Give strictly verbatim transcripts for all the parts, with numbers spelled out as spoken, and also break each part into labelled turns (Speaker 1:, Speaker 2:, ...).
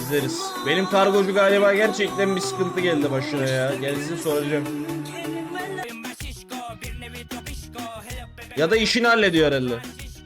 Speaker 1: İzleriz. Benim kargocu galiba gerçekten bir sıkıntı geldi başına ya. Gelsin soracağım. Ya da işini hallediyor herhalde.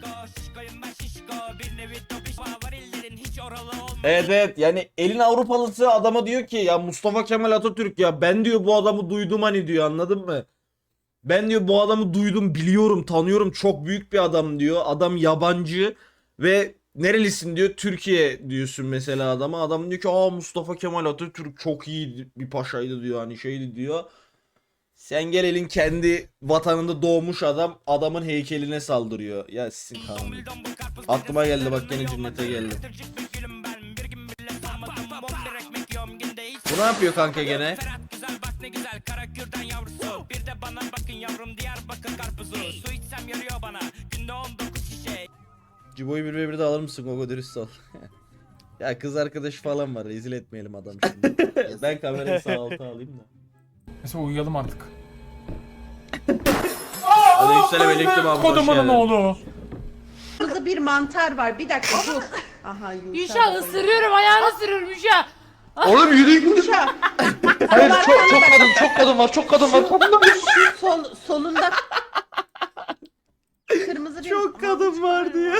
Speaker 1: Evet evet, yani elin Avrupalısı adama diyor ki ya Mustafa Kemal Atatürk, ya ben diyor bu adamı duydum hani diyor, anladın mı? Ben diyor bu adamı duydum, biliyorum, tanıyorum, çok büyük bir adam diyor. Adam yabancı ve nerelisin diyor, Türkiye diyorsun mesela adama. Adam diyor ki aa Mustafa Kemal Atatürk çok iyi bir paşaydı diyor, hani şeydi diyor. Sen gel elin kendi vatanında doğmuş adam adamın heykeline saldırıyor. Ya sizin kanun. Aklıma geldi bak, gene cennete geldi. Bu ne yapıyor kanka gene? Cibo'yu bir ve bir de alır mısın Gogo, dürüst ol. Ya kız arkadaşı falan var, rezil etmeyelim adam şimdi. Ben kamerayı sağ alta alayım da.
Speaker 2: Mesela uyuyalım artık.
Speaker 1: Aleykümselam aleyküm abi, hoş
Speaker 2: Kodumunun
Speaker 1: geldin.
Speaker 2: oğlu.
Speaker 3: Burada bir mantar var. Bir dakika dur. Aha Yuşa.
Speaker 4: Yuşa ısırıyorum, ayağını ısırıyorum Yuşa.
Speaker 5: Oğlum yürüyün.
Speaker 3: Yuşa.
Speaker 5: Hayır çok çok kadın çok kadın var çok kadın var.
Speaker 3: Sol, solunda kırmızı bir...
Speaker 1: Çok kadın var diye.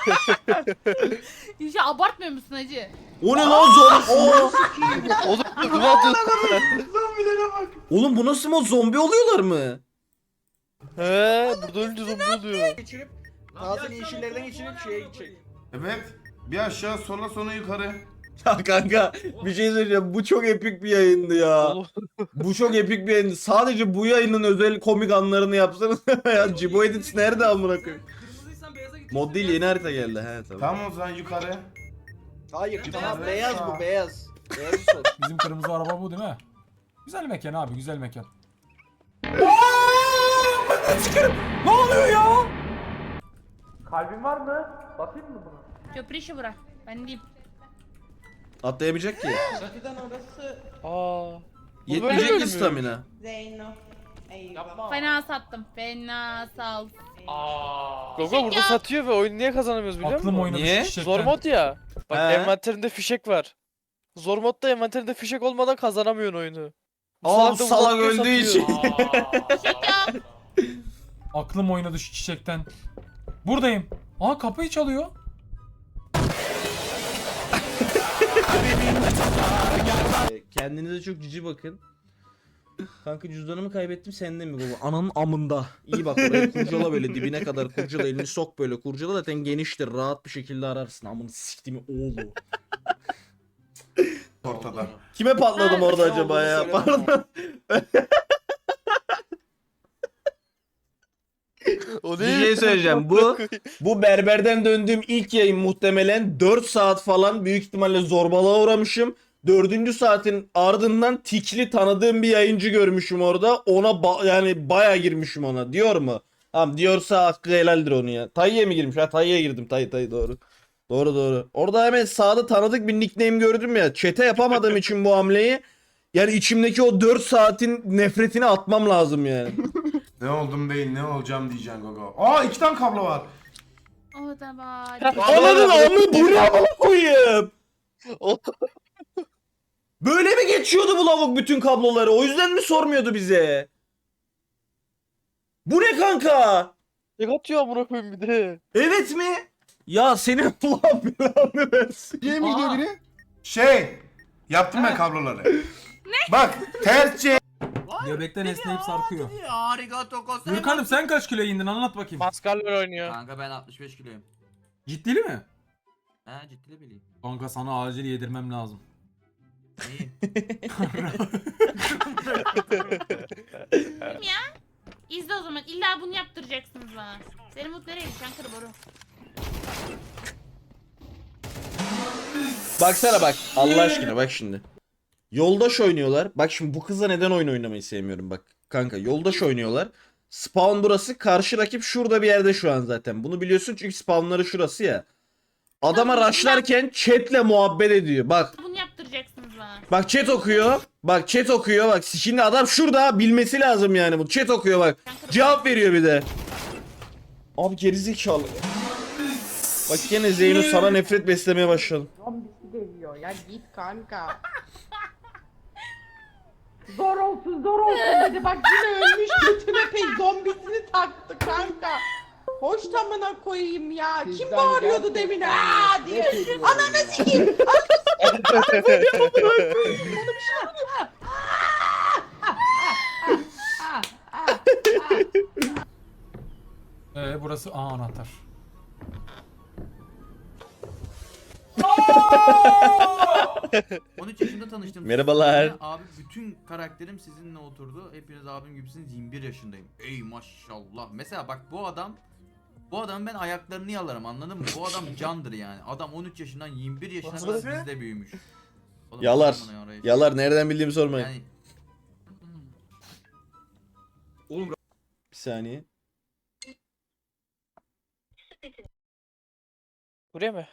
Speaker 4: Yuşa abartmıyor musun hacı?
Speaker 1: O ne lan zombi? Oo.
Speaker 5: Oğlum ne yapıyorsun?
Speaker 1: Oğlum bu nasıl mod, zombi oluyorlar mı?
Speaker 5: He burada ölünce zombi oluyor.
Speaker 1: Geçirip bazı yeşillerden geçirip şeye gidecek.
Speaker 6: Evet. Bir aşağı sonra sonra yukarı.
Speaker 1: Ya kanka bir şey söyleyeceğim, bu çok epik bir yayındı ya.
Speaker 5: Oğlum.
Speaker 1: Bu çok epik bir yayındı. Sadece bu yayının özel komik anlarını yapsanız ya. Cibo Edits nerede amına koyayım? Mod değil, yeni harita geldi he tabii.
Speaker 6: Tamam o zaman yukarı.
Speaker 1: Hayır
Speaker 6: tamam,
Speaker 1: beyaz
Speaker 6: beyaz.
Speaker 1: bu beyaz. Beyaz sol.
Speaker 2: Bizim kırmızı araba bu değil mi? Güzel mekan abi, güzel mekan. Ne oluyor ya?
Speaker 4: Köprü işi bırak. Ben diyeyim.
Speaker 1: Atlayamayacak ki.
Speaker 3: Zaten orası
Speaker 5: Aa.
Speaker 1: Yetmeyecek
Speaker 5: böyle
Speaker 1: ki
Speaker 5: mi?
Speaker 1: stamina.
Speaker 3: Zeyno. Eyvah.
Speaker 4: Fena sattım. Fena sal.
Speaker 5: Gogo burada satıyor ve oyunu niye kazanamıyoruz biliyor musun?
Speaker 2: Aklım oynadı şu
Speaker 1: Niye?
Speaker 2: çiçekten.
Speaker 5: Zor mod ya. Bak
Speaker 1: He.
Speaker 5: envanterinde fişek var. Zor modda envanterinde fişek olmadan kazanamıyorsun oyunu. Bu
Speaker 1: Aa bu
Speaker 5: salak da
Speaker 1: salak
Speaker 5: uzatıyor,
Speaker 1: öldüğü
Speaker 5: satıyor.
Speaker 1: için.
Speaker 4: Çek ya.
Speaker 2: Aklım oynadı şu çiçekten. Buradayım. Aa kapıyı çalıyor.
Speaker 1: Kendinize çok cici bakın. Kanka cüzdanımı kaybettim, sende mi baba? Ananın amında. İyi bak oraya kurcala, böyle dibine kadar kurcala, elini sok böyle kurcala, zaten geniştir, rahat bir şekilde ararsın. Amını siktiğimi oğlu.
Speaker 6: Ortada.
Speaker 1: Kime patladım
Speaker 4: Ha,
Speaker 1: orada
Speaker 4: ne
Speaker 1: acaba ya? Pardon.
Speaker 5: O
Speaker 1: Bir
Speaker 5: değil.
Speaker 1: şey söyleyeceğim. Bu bu berberden döndüğüm ilk yayın muhtemelen dört saat falan, büyük ihtimalle zorbalığa uğramışım. Dördüncü saatin ardından tikli tanıdığım bir yayıncı görmüşüm orada. Ona ba- yani bayağı girmişim ona. Diyor mu? Tamam diyorsa hakkı helaldir onu ya. Tayyi'ye mi girmiş? Ha Tayyi'ye girdim. Tayyi Tayyi doğru. Doğru doğru. Orada hemen sağda tanıdık bir nickname gördüm ya. Chat'e yapamadığım için bu hamleyi. Yani içimdeki o dört saatin nefretini atmam lazım yani.
Speaker 6: Ne oldum değil ne olacağım diyeceksin Gogo. Aa iki tane kablo var.
Speaker 4: O da var.
Speaker 1: Ananın amı bu ne amına koyayım?
Speaker 5: O-
Speaker 1: Böyle mi geçiyordu bu lavuk bütün kabloları? O yüzden mi sormuyordu bize? Bu ne kanka?
Speaker 5: Tek atıyor amına koyayım bir de.
Speaker 1: Evet mi? Ya senin Allah belanı versin.
Speaker 6: Şey mi gidiyor biri? Şey. Yaptım ben kabloları. Bak ters C.
Speaker 2: Göbekten esneyip sarkıyor. Gürkan'ım sen kaç kilo indin, anlat bakayım.
Speaker 5: Maskaller oynuyor.
Speaker 7: Kanka ben altmış beş kiloyum.
Speaker 2: Ciddili mi?
Speaker 7: He ciddi bileyim.
Speaker 2: Kanka sana acil yedirmem lazım.
Speaker 7: İyi.
Speaker 4: Kim ya? İzle o zaman. İlla bunu yaptıracaksınız bana. Seni mutlu nereye gideceksin kır boru?
Speaker 1: Baksana bak. Allah aşkına bak şimdi. Yoldaş oynuyorlar. Bak şimdi bu kızla neden oyun oynamayı sevmiyorum bak. Kanka yoldaş oynuyorlar. Spawn burası. Karşı rakip şurada bir yerde şu an zaten. Bunu biliyorsun çünkü spawnları şurası ya. Adama
Speaker 4: Tamam,
Speaker 1: rushlarken chatle muhabbet ediyor. Bak.
Speaker 4: Bunu yaptıracaksınız bana.
Speaker 1: Bak chat okuyor. Bak chat okuyor. Bak şimdi adam şurada, bilmesi lazım yani bu. Chat okuyor bak. Cevap veriyor bir de. Abi gerizekalı. Bak gene Zeyno sana nefret beslemeye başladım.
Speaker 3: geliyor ya, git kanka. Zor olsun zor olsun dedi, bak yine ölmüş, götüne pey zombisini taktı kanka. Hoş tamına koyayım ya. Kim bağırıyordu demin aa diye. Ananı sikeyim.
Speaker 2: Ee burası aa anahtar.
Speaker 7: on üç yaşında tanıştım.
Speaker 1: Merhabalar.
Speaker 7: sizinle. Abi bütün karakterim sizinle oturdu. Hepiniz abim gibisiniz. yirmi bir yaşındayım. Ey maşallah. Mesela bak bu adam bu adam ben ayaklarını yalarım, anladın mı? Bu adam candır yani. Adam on üç yaşından yirmi bir yaşına kadar bizde büyümüş. Oğlum,
Speaker 1: Yalar.
Speaker 7: bana ya orayı.
Speaker 1: Yalar, nereden bildiğimi sormayın.
Speaker 7: Yani
Speaker 1: Bir saniye.
Speaker 5: Buraya mı?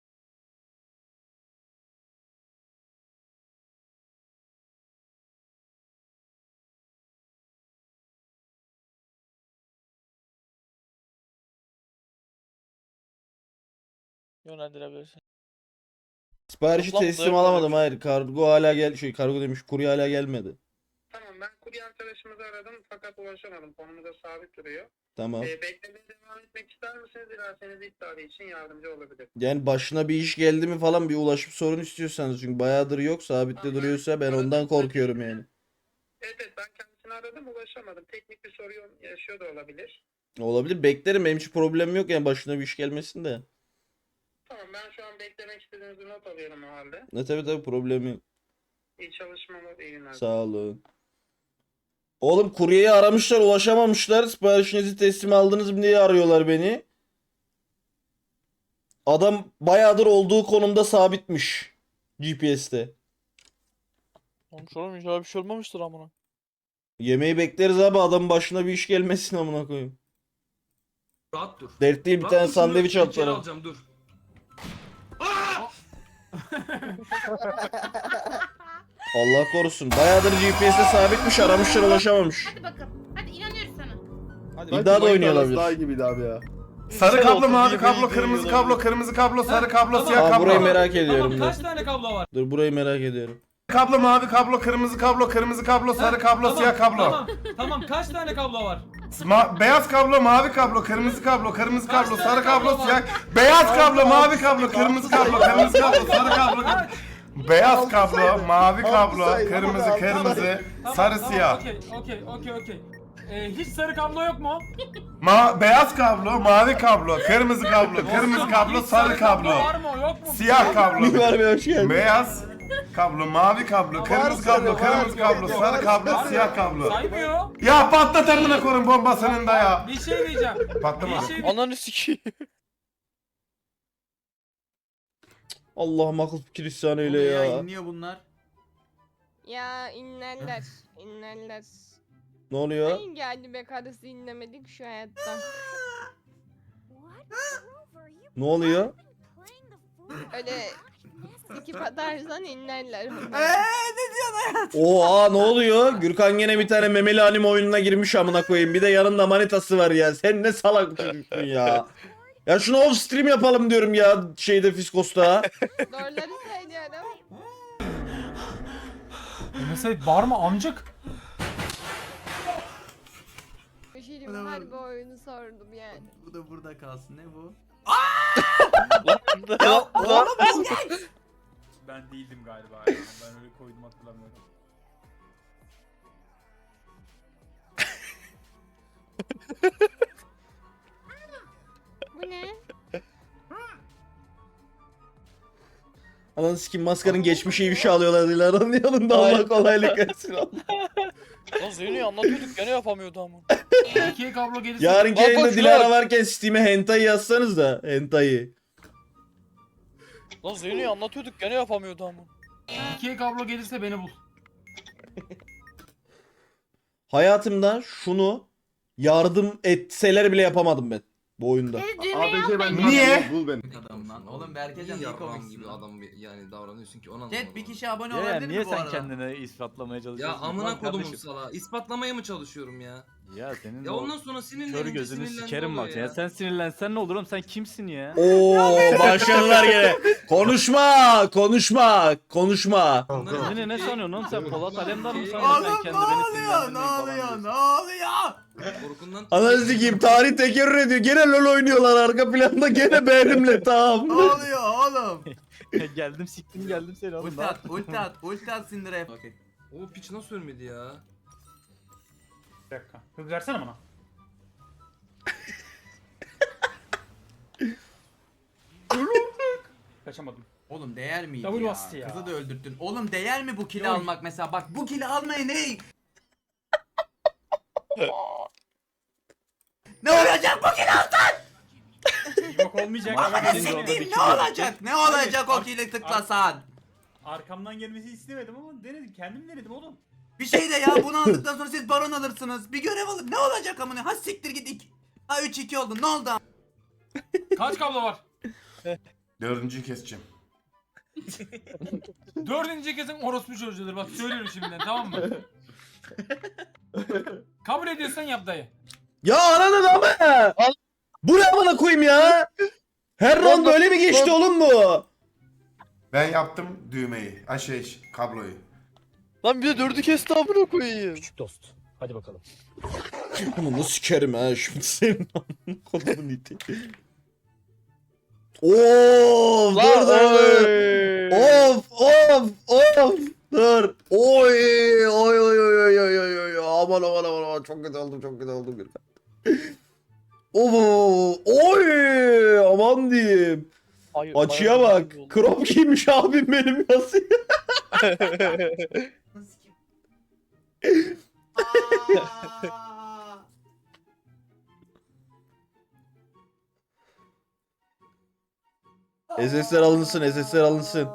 Speaker 5: Yönlendirebilirsin.
Speaker 1: Siparişi
Speaker 5: Toplam
Speaker 1: teslim
Speaker 5: dört
Speaker 1: alamadım,
Speaker 5: tane.
Speaker 1: hayır. Kargo hala gel şey kargo demiş, kurye hala gelmedi.
Speaker 8: Tamam, ben kurye arkadaşımızı aradım fakat ulaşamadım. Konumda sabit duruyor.
Speaker 1: Tamam.
Speaker 8: Ee, beklemeye devam etmek ister misiniz? Dilerseniz iptali için yardımcı olabilir.
Speaker 1: Yani başına bir iş geldi mi falan bir ulaşım sorunu istiyorsanız, çünkü bayağıdır yok, sabitte duruyorsa ben ondan korkuyorum yani.
Speaker 8: Evet evet, ben kendisini aradım, ulaşamadım. Teknik bir sorun yaşıyor da olabilir.
Speaker 1: Olabilir, beklerim, benim hiç problemim yok yani başına bir iş gelmesin de.
Speaker 8: Tamam, ben şu an beklemek istediğinizi not alıyorum o halde.
Speaker 1: Ne tabii tabii, problemim yok.
Speaker 8: İyi çalışmalar, iyi günler.
Speaker 1: Sağ olun. Oğlum kuryeyi aramışlar, ulaşamamışlar. Siparişinizi teslim aldınız mı diye arıyorlar beni. Adam bayağıdır olduğu konumda sabitmiş G P S'te.
Speaker 5: Olmuş oğlum, inşallah bir şey olmamıştır amına.
Speaker 1: Yemeği bekleriz abi, adamın başına bir iş gelmesin amına koyayım.
Speaker 9: Rahat dur.
Speaker 1: Dert değil, bir
Speaker 9: Rahat
Speaker 1: tane
Speaker 9: dur, şunu
Speaker 1: sandviç
Speaker 9: içeri
Speaker 1: atlara.
Speaker 9: alacağım, dur.
Speaker 1: Allah korusun. Bayağıdır G P S'te sabitmiş, aramışlar, ulaşamamış.
Speaker 4: Hadi bakalım. Hadi inanıyoruz sana.
Speaker 1: Bir daha da oynuyor olabilir.
Speaker 10: Daha gibiydi abi ya.
Speaker 6: Sarı kablo,
Speaker 5: olsun,
Speaker 6: mavi
Speaker 5: iyi
Speaker 6: kablo,
Speaker 5: bir- iyi
Speaker 6: kırmızı
Speaker 5: bir-
Speaker 6: kablo, kırmızı kablo, sarı kablo,
Speaker 2: tamam.
Speaker 6: siyah
Speaker 1: Aa,
Speaker 6: kablo.
Speaker 1: burayı merak ediyorum
Speaker 2: Tamam,
Speaker 1: dur.
Speaker 2: kaç tane kablo var?
Speaker 1: Dur burayı merak ediyorum.
Speaker 6: Kablo, mavi kablo, kırmızı kablo, kırmızı kablo, sarı kablo,
Speaker 2: Tamam,
Speaker 6: siyah kablo.
Speaker 2: Tamam, tamam kaç tane kablo var?
Speaker 6: Ma- beyaz kablo, mavi kablo, kırmızı kablo, kırmızı
Speaker 2: Kaç
Speaker 6: kablo,
Speaker 2: tane
Speaker 6: sarı
Speaker 2: kablo
Speaker 6: kablo,
Speaker 2: var?
Speaker 6: siyah. Beyaz kablo, mavi kablo, kırmızı kablo, kırmızı kablo, sarı kablo. Beyaz kablo, mavi kablo, kırmızı, kırmızı,
Speaker 2: Tamam,
Speaker 6: sarı,
Speaker 2: tamam,
Speaker 6: siyah.
Speaker 2: Okey, okey, okey, okey. Ee, hiç sarı kablo yok mu?
Speaker 6: Ma beyaz kablo, mavi kablo, kırmızı kablo, kırmızı
Speaker 2: Dostum,
Speaker 6: kablo,
Speaker 2: hiç
Speaker 6: sarı kablo.
Speaker 2: Var mı yok mu?
Speaker 6: Siyah kablo.
Speaker 1: Mimar Bey hoş geldin.
Speaker 6: Beyaz kablo, mavi kablo, kırmızı kablo, kırmızı kablo, sarı kablo, siyah kablo.
Speaker 2: Saymıyor.
Speaker 6: Ya patlat amına koyun bombasının da ya.
Speaker 2: Bir şey diyeceğim.
Speaker 6: Patlamadı.
Speaker 2: Bir şey diyeceğim.
Speaker 5: Ananı sikeyim.
Speaker 1: Allah'ım akıl fikir ihsan eyle
Speaker 7: oluyor
Speaker 1: ya.
Speaker 7: inliyor bunlar.
Speaker 11: Ya inlerler, inlerler.
Speaker 1: Ne oluyor?
Speaker 11: Ay geldi be karısı inlemedik şu hayatta.
Speaker 1: Ne oluyor?
Speaker 11: Öyle sikip atarsan inlerler.
Speaker 1: Oha ne oluyor? Gürkan gene bir tane memeli anime oyununa girmiş amına koyayım. Bir de yanında manitası var ya. Sen ne salak bir çocuksun ya. Ya şunu off stream yapalım diyorum ya şeyde Fiskos'ta.
Speaker 11: Doğruları söylüyorum.
Speaker 2: Mesela bağırma amcık.
Speaker 11: Bir şey diyeyim mi? Harbi oyunu sordum yani.
Speaker 7: Bu da burada kalsın, ne bu?
Speaker 2: Ben değildim galiba ya. Ben öyle koydum hatırlamıyorum.
Speaker 11: Bu ne?
Speaker 1: Ananı sikim maskarın geçmişi ifşa alıyorlar diyorlar. Onun yanında Allah kolaylık versin.
Speaker 5: Lan Zeyno'yu anlatıyorduk gene yapamıyordu ama.
Speaker 2: İkiye kablo gelirse...
Speaker 1: Yarınki
Speaker 5: Bak, bak
Speaker 1: yayında
Speaker 5: şuna
Speaker 1: Dilara
Speaker 5: bak.
Speaker 1: varken Steam'e hentai yazsanız da hentai.
Speaker 5: Lan Zeyno'yu anlatıyorduk gene yapamıyordu ama.
Speaker 2: İkiye kablo gelirse beni bul.
Speaker 1: Hayatımda şunu yardım etseler bile yapamadım ben bu oyunda.
Speaker 4: Dedi düğme
Speaker 10: A B C
Speaker 4: yok
Speaker 10: ben
Speaker 4: bende.
Speaker 6: Niye?
Speaker 10: Bul beni.
Speaker 7: Adam lan. Oğlum Berkecan iyi
Speaker 10: Yarram
Speaker 7: komiksin
Speaker 10: gibi
Speaker 7: lan.
Speaker 10: adam bir- yani davranıyorsun ki ona
Speaker 7: Chat bir kişi abone
Speaker 9: Ya,
Speaker 7: olabilir
Speaker 9: niye
Speaker 7: mi bu
Speaker 9: sen
Speaker 7: arada?
Speaker 9: kendine ispatlamaya
Speaker 10: Ya
Speaker 9: çalışıyorsun?
Speaker 10: amına
Speaker 9: Lan
Speaker 10: kodumun
Speaker 9: kardeşim.
Speaker 10: sala. İspatlamaya mı çalışıyorum ya?
Speaker 12: Ya senin
Speaker 10: Ya
Speaker 12: o
Speaker 10: ondan sonra
Speaker 12: kör
Speaker 10: sinirlenince
Speaker 12: gözünü
Speaker 10: sinirlendi
Speaker 12: sikerim
Speaker 10: oluyor
Speaker 12: bak ya. Sen sinirlensen ne olur oğlum, sen kimsin ya?
Speaker 1: Oo başladılar gene. Konuşma, konuşma, konuşma.
Speaker 10: Bunların
Speaker 12: Ne ne
Speaker 10: erkeği-
Speaker 12: sanıyorsun oğlum sen? Polat Alemdar mı
Speaker 10: Oğlum,
Speaker 12: sanıyorsun sen
Speaker 7: Oğlum ne
Speaker 12: kendi beni
Speaker 7: oluyor? Ne
Speaker 12: sinirlendirmeyi falan
Speaker 7: oluyor?
Speaker 12: diyorsun?
Speaker 7: Ne oluyor?
Speaker 10: Korkundan
Speaker 1: Ananı sikeyim, tarih tekerrür ediyor. Gene LoL oynuyorlar arka planda, gene benimle tamam.
Speaker 7: Ne oluyor oğlum?
Speaker 12: Geldim siktim geldim seni oğlum.
Speaker 7: Ulti at, ulti at, ulti at Sindire. Okey.
Speaker 10: O piç nasıl ölmedi ya?
Speaker 2: Bir dakika. Hız versene bana. Kaçamadım.
Speaker 7: Oğlum değer miydi
Speaker 2: Double
Speaker 7: ya?
Speaker 2: bastı ya.
Speaker 7: Kızı da öldürttün. Oğlum değer mi bu kili
Speaker 2: Yok.
Speaker 7: almak mesela? Bak bu kili almaya ne? Ne olacak bu kili alsan?
Speaker 2: Yok olmayacak ama
Speaker 7: Bak,
Speaker 2: benim
Speaker 12: Şimdi
Speaker 2: de-
Speaker 12: orada bir
Speaker 7: ne olacak? Ne olacak o kili tıklasan?
Speaker 2: Arkamdan gelmesi istemedim ama denedim. Kendim denedim oğlum.
Speaker 7: Bir şey de ya bunu aldıktan sonra siz baron alırsınız. Bir görev alın. Ne olacak amına? Ha siktir git. iki- Ha üç iki oldu. Ne oldu?
Speaker 2: Kaç kablo var?
Speaker 6: Dördüncüyü keseceğim.
Speaker 2: Dördüncü kesin orospu çocuğudur. Bak söylüyorum şimdiden, tamam mı? Kabul ediyorsan yap dayı.
Speaker 1: Ya ananın ama. Bu ne bana koyayım ya? Her round böyle mi geçti oğlum bu?
Speaker 6: Ben yaptım düğmeyi. Ha şey kabloyu.
Speaker 5: Lan bir de dördü kesti amına koyayım.
Speaker 1: Dost. Hadi bakalım. Bunu nasıl sikerim ha şimdi senin amına kodumun iti. Oo, dur dur. Of of of. Dur. Oy oy oy oy oy oy oy oy. Aman aman aman aman çok kötü oldum çok kötü oldum bir. Oo, oy aman diyeyim. Açıya bak. Crop giymiş abim benim nasıl?
Speaker 7: Aa!
Speaker 1: S S'ler alınsın, S S'ler alınsın.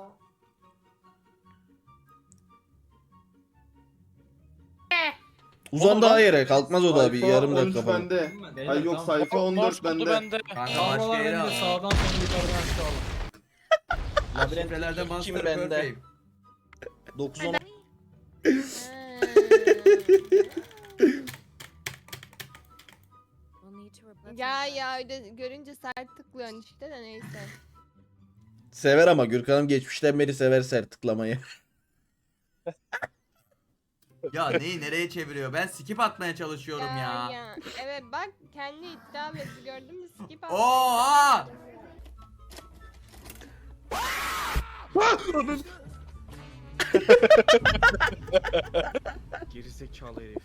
Speaker 1: Uzan daha yere, kalkmaz o da bir yarım dakika falan.
Speaker 10: Bende.
Speaker 2: Ay yok sayfa
Speaker 5: on dört bende.
Speaker 7: Kanka
Speaker 2: Kablolar
Speaker 7: başka yere
Speaker 2: bende
Speaker 7: al.
Speaker 2: sağdan sonra yukarıdan aşağı al.
Speaker 7: Şifrelerde
Speaker 1: Kim
Speaker 7: Master
Speaker 1: bende?
Speaker 7: Perfect.
Speaker 1: dokuz on.
Speaker 11: Ya ya öyle görünce sert tıklıyorsun işte de neyse.
Speaker 1: Sever ama Gürkan'ım geçmişten beri sever sert tıklamayı.
Speaker 7: Ya neyi nereye çeviriyor? Ben skip atmaya çalışıyorum ya.
Speaker 11: ya. Evet bak kendi iddia etti gördün mü skip at.
Speaker 7: Oha!
Speaker 12: Gerizekalı herif.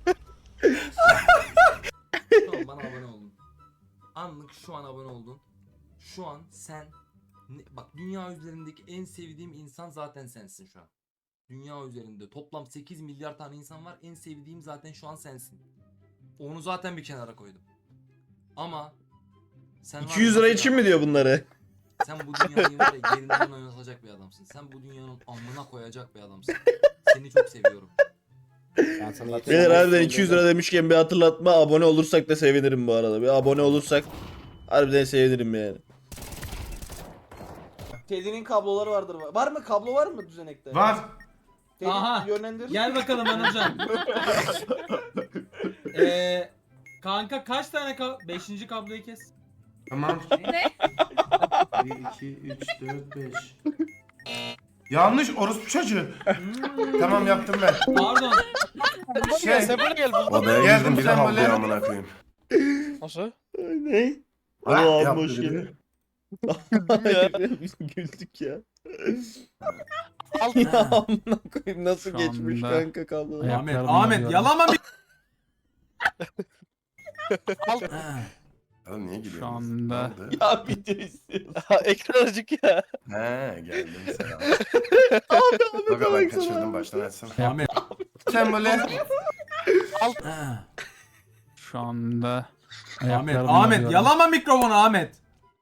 Speaker 10: Şu an bana abone oldun. Anlık şu an abone oldun. Şu an sen ne- bak dünya üzerindeki en sevdiğim insan zaten sensin şu an. Dünya üzerinde toplam sekiz milyar tane insan var. En sevdiğim zaten şu an sensin. Onu zaten bir kenara koydum. Ama sen var
Speaker 1: iki yüz
Speaker 10: ya
Speaker 1: lira
Speaker 10: mesela-
Speaker 1: için mi diyor bunları?
Speaker 10: Sen bu dünyayı var ya yerinden oynatacak bir adamsın. Sen bu dünyanın amına koyacak bir adamsın. Seni çok seviyorum.
Speaker 1: Beyler harbiden iki yüz lira demişken bir hatırlatma, abone olursak da sevinirim bu arada. Bir abone olursak harbiden sevinirim yani. Teddy'nin kabloları vardır. Var mı? Kablo var mı düzenekte?
Speaker 6: Var.
Speaker 1: Teddy
Speaker 2: Aha.
Speaker 1: yönlendir.
Speaker 2: Gel bakalım Anılcan. Eee kanka kaç tane ka beşinci kabloyu kes.
Speaker 6: Tamam.
Speaker 4: Ne?
Speaker 6: bir, iki, üç, dört, beş. Yanlış orospu çocuğu. Tamam yaptım ben.
Speaker 2: Pardon.
Speaker 6: Şey,
Speaker 5: Sen böyle gel.
Speaker 6: odaya girdim bir de havluya amına koyayım.
Speaker 5: Nasıl?
Speaker 1: Ne?
Speaker 6: Ah,
Speaker 1: Oo abi
Speaker 6: yaptı
Speaker 1: hoş
Speaker 6: bir de.
Speaker 1: geldin. Biz güldük ya. Ya amına koyayım nasıl
Speaker 2: Şu
Speaker 1: geçmiş
Speaker 2: anda-
Speaker 1: kanka kablo.
Speaker 2: Ahmet, Ahmet yalama bir.
Speaker 6: Oğlum niye gülüyorsun?
Speaker 2: Şu anda-
Speaker 6: Ne oldu?
Speaker 1: Ya video istiyorsun.
Speaker 5: Ekran acık ya.
Speaker 6: He geldim selam.
Speaker 1: Abi abi
Speaker 6: Bak ben
Speaker 1: baksana.
Speaker 6: kaçırdım baştan açsana.
Speaker 2: Ahmet.
Speaker 6: Sen böyle.
Speaker 2: Şu anda Ahmet, Ahmet yalama mikrofonu Ahmet.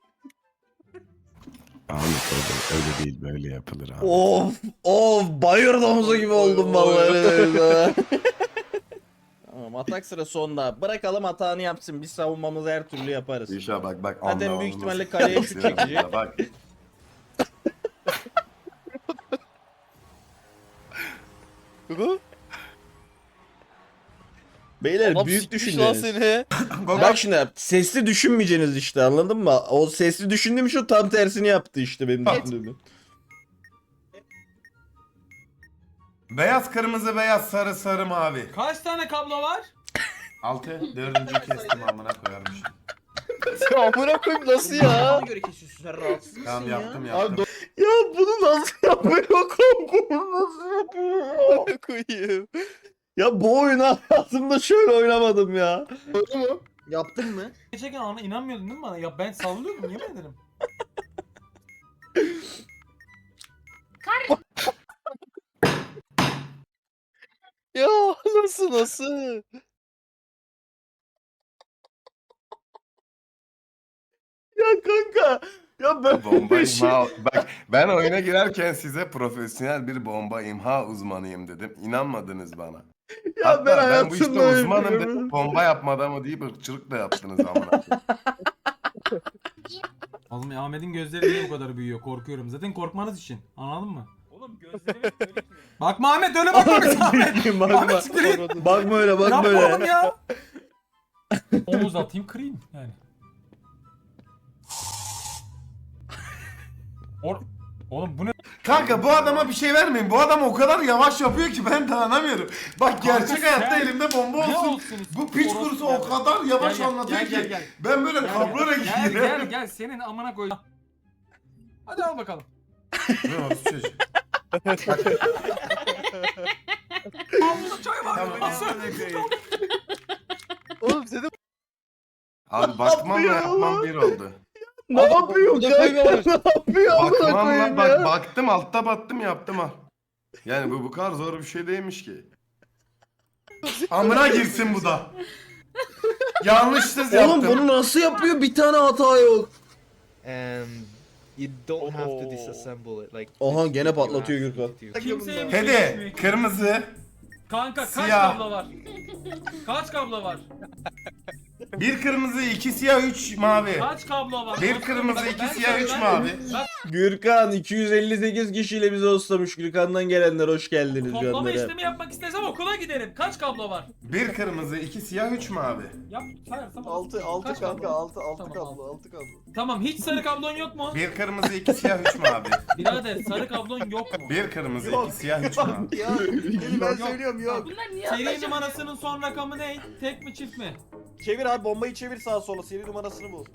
Speaker 6: Ahmet öyle, öyle değil böyle yapılır abi.
Speaker 1: Of of bayır domuzu gibi oldum vallahi öyle böyle. Tamam atak sıra sonda. Bırakalım hatanı yapsın. Biz savunmamızı her türlü yaparız.
Speaker 6: İnşallah bak bak.
Speaker 1: Zaten
Speaker 6: anla,
Speaker 1: büyük
Speaker 6: anla.
Speaker 1: ihtimalle kaleye şut çekecek.
Speaker 6: Bak.
Speaker 1: Beyler
Speaker 5: Adam
Speaker 1: büyük
Speaker 5: sikmiş lan
Speaker 1: düşünceniz.
Speaker 5: seni.
Speaker 1: Bak şimdi sesli düşünmeyeceğiniz işte anladın mı? O sesli düşündüğüm şu tam tersini yaptı işte benim düşündüğümü.
Speaker 6: Beyaz kırmızı beyaz sarı sarı mavi.
Speaker 2: Kaç tane kablo var?
Speaker 6: Altı. Dördüncüyü kestim amına koyarmış.
Speaker 5: Amına koyayım nasıl ya?
Speaker 9: Bana göre kesiyorsun sen rahatsız mısın
Speaker 6: Tamam
Speaker 9: ya?
Speaker 6: yaptım yaptım.
Speaker 1: Ya bunu nasıl yapıyor kanka? Bunu nasıl yapıyor?
Speaker 5: Amına koyayım.
Speaker 1: Ya bu oyunu hayatımda şöyle oynamadım ya.
Speaker 9: Yaptın mı?
Speaker 2: Geçerken ana inanmıyordun değil mi bana? Ya ben sallıyordum yemin ederim.
Speaker 5: Ya nasıl nasıl?
Speaker 1: Ya kanka. Ya ben
Speaker 6: Bomba
Speaker 1: bir şey...
Speaker 6: imha. Bak ben oyuna girerken size profesyonel bir bomba imha uzmanıyım dedim. İnanmadınız bana.
Speaker 1: Ya
Speaker 6: Hatta
Speaker 1: ben
Speaker 6: ben bu işte
Speaker 1: hayatımda öyle
Speaker 6: uzmanım
Speaker 1: görmedim.
Speaker 6: dedim. Bomba yapmadı mı deyip ırkçılık da yaptınız amına.
Speaker 2: Oğlum Ahmet'in gözleri niye bu kadar büyüyor? Korkuyorum. Zaten korkmanız için. Anladın mı? Oğlum gözlerimi Bakma Ahmet öyle bakma bize Ahmet.
Speaker 1: bakma.
Speaker 2: Ahmet siktir git.
Speaker 1: Bakma öyle bakma
Speaker 2: Yapma oğlum
Speaker 1: öyle.
Speaker 2: ya. Omuz atayım kırayım yani. Or Oğlum bu ne?
Speaker 6: Kanka bu adama bir şey vermeyin. Bu adam o kadar yavaş yapıyor ki ben dayanamıyorum. Bak
Speaker 2: Kanka
Speaker 6: gerçek
Speaker 2: sen-
Speaker 6: hayatta elimde bomba
Speaker 2: Ne
Speaker 6: olsun.
Speaker 2: olsun?
Speaker 6: Bu piç
Speaker 2: Orospu
Speaker 6: kurusu
Speaker 2: gel.
Speaker 6: o kadar yavaş
Speaker 2: Gel, gel,
Speaker 6: anlatıyor
Speaker 2: gel,
Speaker 6: ki.
Speaker 2: gel, gel.
Speaker 6: Ben böyle
Speaker 2: Gel,
Speaker 6: kablora
Speaker 2: gel, gel,
Speaker 6: gidiyorum.
Speaker 2: gel gel senin amına koy. Hadi al bakalım.
Speaker 6: Ne oldu çocuk?
Speaker 2: Çay var.
Speaker 6: Tamam,
Speaker 2: Nasıl?
Speaker 5: Oğlum seni
Speaker 6: Abi bakmamla
Speaker 1: yapıyor
Speaker 6: yapmam
Speaker 1: lan?
Speaker 6: bir oldu.
Speaker 1: Ne yapıyor
Speaker 5: burada
Speaker 1: kanka?
Speaker 5: koymuyorlar.
Speaker 1: Ne yapıyor amına
Speaker 6: Bakmamla
Speaker 1: koyayım
Speaker 6: bak
Speaker 1: ya?
Speaker 6: baktım altta battım yaptım ha. Yani bu bu kadar zor bir şey değilmiş ki. Amına girsin bu da. Yanlışsız yaptım.
Speaker 1: Oğlum bunu nasıl yapıyor? Bir tane hata yok.
Speaker 9: And you don't have to disassemble it. Like
Speaker 1: Aha gene patlatıyor Gürkan.
Speaker 2: Kimseye bir şey
Speaker 6: Hede
Speaker 2: düşmüyor.
Speaker 6: kırmızı
Speaker 2: Kanka kaç
Speaker 6: Siyah.
Speaker 2: kablo var? Kaç kablo var?
Speaker 6: bir kırmızı iki siyah üç mavi.
Speaker 2: Kaç kablo var?
Speaker 6: Bir
Speaker 2: Kaç
Speaker 6: kırmızı,
Speaker 2: kablo var?
Speaker 6: iki
Speaker 2: Ben
Speaker 6: siyah, üç
Speaker 2: söyleyeyim.
Speaker 6: mavi.
Speaker 2: Bak
Speaker 1: Gürkan iki yüz elli sekiz kişiyle bizi hostlamış. Gürkan'dan gelenler hoş geldiniz
Speaker 2: toplama
Speaker 1: canlara.
Speaker 2: işlemi yapmak istesem okula giderim. Kaç kablo var?
Speaker 6: Bir kırmızı iki siyah üç mavi.
Speaker 2: Yap sayarsam.
Speaker 5: altı altı
Speaker 2: Kaç
Speaker 5: kanka
Speaker 2: kablo?
Speaker 5: altı altı
Speaker 2: Tamam,
Speaker 5: kablo altı kablo.
Speaker 2: Tamam hiç sarı kablon yok mu?
Speaker 6: Bir kırmızı iki siyah üç mavi.
Speaker 2: Birader sarı kablon yok mu?
Speaker 6: Bir kırmızı iki siyah üç mavi.
Speaker 5: Ya ben söylüyorum yok.
Speaker 4: Bunlar niye
Speaker 2: Seri
Speaker 4: anlaşılmıyor?
Speaker 2: numarasının son rakamı ne? Tek mi çift mi?
Speaker 5: Çevir abi bombayı çevir sağa sola seri numarasını bul.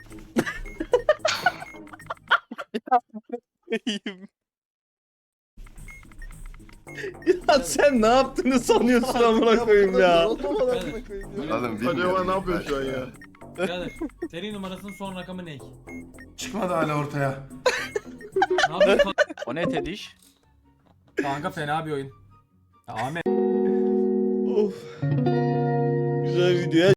Speaker 1: Ya sen ne yaptığını sanıyorsun amına koyayım ya.
Speaker 6: Oğlum bilmiyorum. Ne yapıyorsun şu an ya?
Speaker 2: Birader seri numarasının son rakamı ne?
Speaker 6: Çıkmadı hala ortaya.
Speaker 2: Ne yapıyorsun?
Speaker 12: O ne Tediş?
Speaker 2: Kanka fena bir oyun. Ya Ahmet.
Speaker 1: Of. Güzel video.